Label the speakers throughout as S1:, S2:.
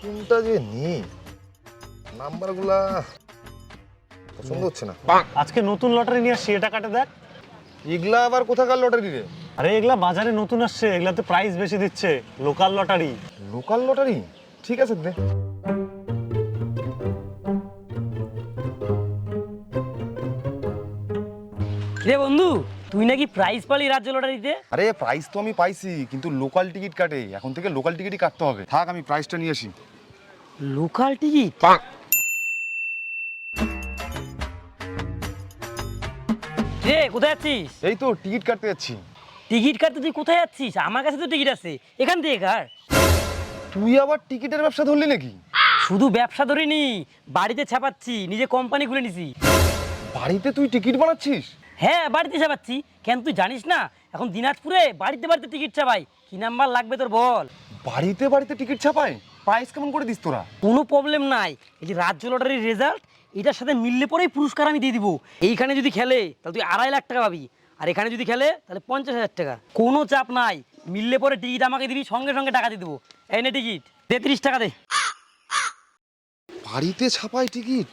S1: কোনটা যে নি নাম্বারগুলা পছন্দ হচ্ছে না।
S2: আজকে নতুন লটারি নিয়ে আসছি, এটা কাটে দেখ।
S1: এগুলা আবার কোথাকার লটারি রে?
S2: আরে এগুলা বাজারে নতুন আসছে, এগুলাতে প্রাইস বেশি দিচ্ছে, লোকাল লটারি।
S1: Local lottery? ঠিক আছে দে।
S3: রে বন্ধু, তুই নাকি প্রাইজ পালি রাজ্য লটারিতে?
S1: আরে প্রাইস তো আমি পাইছি, কিন্তু লোকাল টিকিট কাটে, এখন থেকে লোকাল টিকিটই কাটতে হবে। থাক আমি প্রাইসটা নিয়ে আসি।
S3: Local ticket? রে কোথায় যাচ্ছিস?
S1: এই তো টিকিট কাটতে যাচ্ছি।
S3: টিকিট কাটতে তুই কোথায় যাচ্ছিস? আমার কাছে তো টিকিট আছে, এখান থেকে কার।
S1: তুই আবার টিকিটের ব্যবসা ধরলি নাকি?
S3: শুধু ব্যবসা ধরিনি, বাড়িতে ছাপাচ্ছি, নিজে কোম্পানি খুলে নিছি।
S1: বাড়িতে তুই টিকিট বানাচ্ছিস?
S3: হ্যাঁ, বাড়িতে ছাপাচ্ছি। কেন তুই জানিস না এখন দিনাজপুরে বাড়িতে বাড়িতে টিকিট ছাপাই? কি নাম্বার লাগবে তোর বল?
S1: বাড়িতে বাড়িতে টিকিট ছাপায়? প্রাইস কেমন করে দিস তোরা?
S3: কোনো প্রবলেম নাই। এই যে রাজ্য লটারির রেজাল্ট, এটার সাথে মিললে পরেই পুরস্কার আমি দিয়ে দিব। এইখানে যদি খেলে তাহলে তুই 2.5 লাখ টাকা পাবি, আর এখানে যদি খেলে তাহলে 50,000 টাকা। কোনো চাপ নাই, মিললে পরে টিকিট আমাকে দিবি, সঙ্গে সঙ্গে টাকা দিয়ে দেবো। এই নে টিকিট, 33 টাকা দে।
S1: বাড়িতে ছাপায় টিকিট?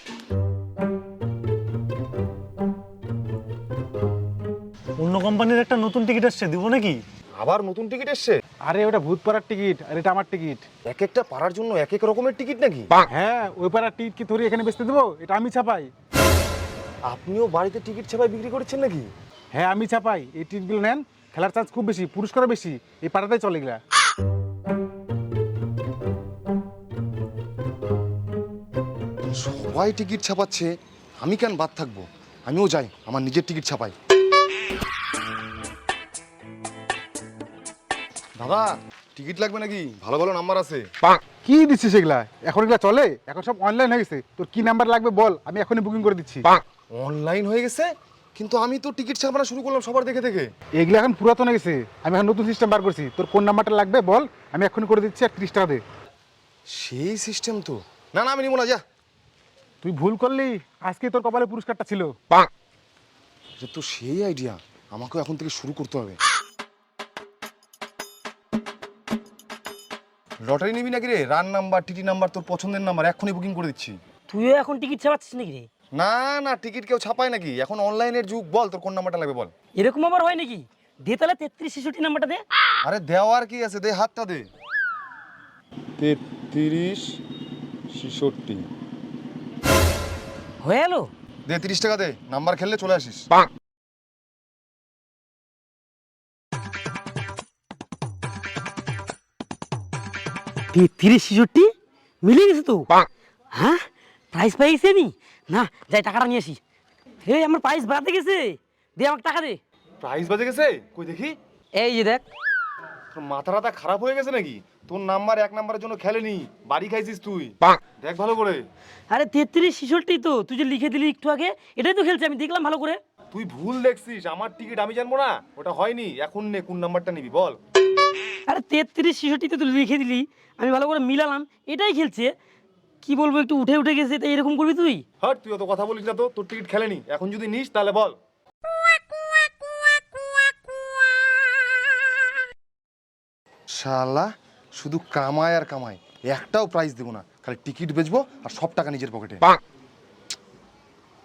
S2: অন্য কোম্পানির একটা নতুন টিকিট আসছে, দিব নাকি?
S1: আবার নতুন টিকিট এসছে?
S4: আরে ওটা ভূত পাড়ার টিকিট আর এটা আমার টিকিট।
S1: এক একটা পাড়ার জন্য এক এক রকমের টিকিট নাকি?
S4: হ্যাঁ, ওই পাড়ার টিকিট কি তোর এখানে বেচতে দেবো? এটা আমি ছাপাই।
S1: আপনিও বাড়িতে টিকিট ছাপায় বিক্রি করছেন নাকি?
S4: হ্যাঁ, আমি ছাপাই। এই টিকিটগুলো নেন, খেলার চান্স খুব বেশি, পুরস্কারও বেশি। এই পাড়াতেই চলে গেলা।
S1: সবাই টিকিট ছাপাচ্ছে, আমি কেন বাদ থাকবো? আমিও যাই, আমার নিজের টিকিট ছাপাই। দাদা টিকিট লাগবে নাকি? ভালো ভালো নাম্বার আছে।
S4: কি দিচ্ছিস এগুলা? এখন এগুলা চলে? এখন সব অনলাইন হয়ে গেছে। তোর কি নাম্বার লাগবে বল, আমি এখনই বুকিং করে দিচ্ছি।
S1: অনলাইন হয়ে গেছে? কিন্তু আমি তো টিকিট ছাপানো শুরু করলাম সবার দেখে দেখে।
S4: এগুলা এখন পুরাতন হয়ে গেছে, আমি এখন নতুন সিস্টেম বার করছি। তোর কোন নাম্বারটা লাগবে বল, আমি এখনই করে দিচ্ছি। আর 30 টাকা দে।
S1: সেই সিস্টেম তো। না না আমি নিবো না, যা।
S4: তুই ভুল করলি, আজকে তোর কপালে পুরস্কারটা ছিল।
S1: এটা তো সেই আইডিয়া, আমাকেও এখন থেকে শুরু করতে হবে। লটারি নিবি নাকি রে? রান নাম্বার, টিটি নাম্বার, তোর পছন্দের নাম্বার এখনই বুকিং করে দিচ্ছি।
S3: তুইও এখন টিকিট ছাপাচ্ছিস নাকি রে?
S1: না না টিকিট কেউ ছাপায় নাকি? এখন অনলাইনের যুগ। বল তোর কোন নাম্বারটা লাগবে বল।
S3: এরকম আবার হয় নাকি? দে তাহলে 33-66 নাম্বারটা দে।
S1: আরে দেওয়ার কি আছে, দে হাতটা দে। 33-66
S3: হয়ে গেল?
S1: দে 30 টাকা দে, নাম্বার খেললে চলে আসিস।
S3: 33-66 মিলে গেছে তো। হ্যাঁ, প্রাইস পেয়ে গেছি আমি। না, যাই টাকাটা নিয়ে আসি। হে, আমার প্রাইস বাড়তে গেছে। দে আমাকে টাকা দে।
S1: প্রাইস বাজে গেছে? কই দেখি।
S3: এই যে দেখ।
S1: তোর মাথা টাথা খারাপ হয়ে গেছে নাকি? তোর নাম্বার এক নাম্বারের জন্য খেলেনি, বাড়ি খাইছিস তুই। দেখ ভালো করে।
S3: আরে 33-66 তো তুই যে লিখে দিলি একটু আগে, এটাই তো খেলছি, আমি দেখলাম ভালো করে।
S1: তুই ভুল দেখছিস, আমার টিকিট আমি জানবো না? ওটা হয়নি। এখন নে, কোন নাম্বারটা নিবি বল।
S3: আরে 33-66 তো তুই লিখে দিলি, আমি ভালো করে মিলালাম, এটাই খেলছে। কি বলবো, একটু উঠে উঠে গেছে, তাই এরকম করবি তুই?
S1: হট, তুই অত কথা বলিস না তো। তোর টিকিট খেলেনি, এখন যদি নিস তাহলে বল। শালা শুধু কামায় আর কামায়, একটাও প্রাইজ দেবো না, খালি টিকিট বেচবো আর সব টাকা নিজের পকেটে।